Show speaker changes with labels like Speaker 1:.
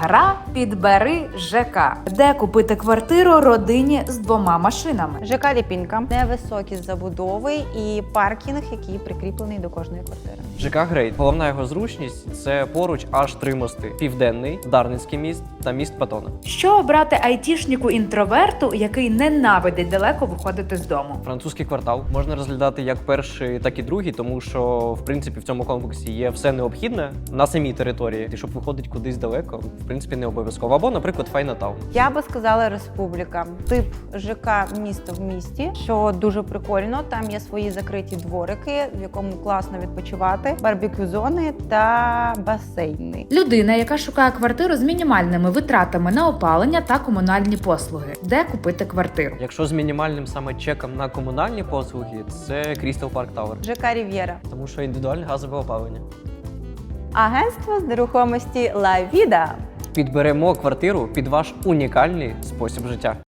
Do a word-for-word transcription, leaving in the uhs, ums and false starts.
Speaker 1: Гра «Підбери ЖК», де купити квартиру родині з двома машинами.
Speaker 2: ЖК Ліпінка, невисокі забудови і паркінг, який прикріплений до кожної квартири.
Speaker 3: ЖК Грейт. Головна його зручність – це поруч аж три мости: Південний, Дарницький міст та міст Патона.
Speaker 1: Що обрати айтішнику-інтроверту, який ненавидить далеко виходити з дому?
Speaker 3: Французький квартал можна розглядати як перший, так і другий, тому що в принципі в цьому комплексі є все необхідне на самій території. І щоб виходити кудись далеко, в принципі, не обов'язково. Або, наприклад, Файнатаун.
Speaker 2: Я би сказала Республіка. Тип ЖК місто в місті, що дуже прикольно. Там є свої закриті дворики, в якому класно відпочивати, барбекю-зони та басейни.
Speaker 1: Людина, яка шукає квартиру з мінімальними витратами на опалення та комунальні послуги. Де купити квартиру?
Speaker 3: Якщо з мінімальним саме чеком на комунальні послуги, це Крістал Парк Тауер.
Speaker 2: ЖК Рів'єра.
Speaker 3: Тому що індивідуальне газове опалення.
Speaker 2: Агентство з нерухомості Ла Віда.
Speaker 3: Підберемо квартиру під ваш унікальний спосіб життя.